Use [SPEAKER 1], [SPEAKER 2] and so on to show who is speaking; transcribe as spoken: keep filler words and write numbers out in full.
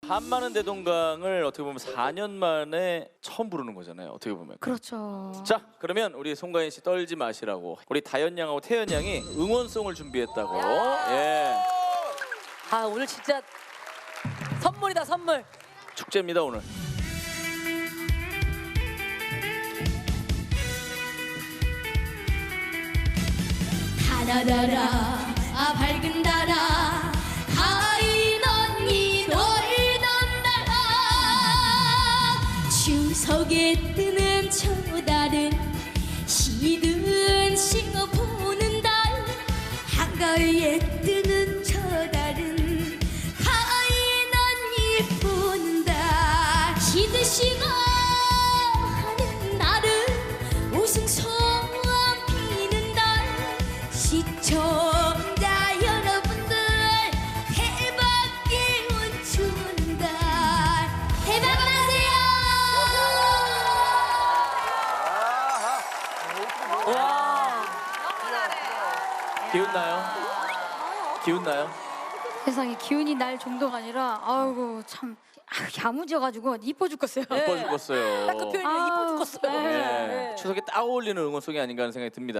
[SPEAKER 1] 한마는 대동강을 어떻게 보면 사 년 만에 처음 부르는 거잖아요. 어떻게 보면.
[SPEAKER 2] 그렇죠.
[SPEAKER 1] 자, 그러면 우리 송가인 씨 떨지 마시라고 우리 다현 양하고 태연 양이 응원송을 준비했다고. 예.
[SPEAKER 3] 아 오늘 진짜 선물이다 선물.
[SPEAKER 1] 축제입니다 오늘.
[SPEAKER 4] 달아라라 아 밝은 달아 가인 언니 놀던 달아 추석에 뜨는 저 달은 시든 싱어 보는 달 한가위에 뜨는 저 달은 가인 언니 보는 달 시든 싱어 하는 날은 웃음소리 시청자 여러분들 대박 기운 주는 달 대박 나세요.
[SPEAKER 3] 와.
[SPEAKER 1] 기운 나요? 기운 나요?
[SPEAKER 2] 세상에 기운이 날 정도가 아니라 아이고 참 아, 야무져가지고 이뻐 죽겠어요.
[SPEAKER 1] 이뻐 죽겠어요.
[SPEAKER 3] 딱 그 표현이 이뻐 죽겠어요.
[SPEAKER 2] 네.
[SPEAKER 1] 네. 추석에 딱 어울리는 응원송이 아닌가 하는 생각이 듭니다.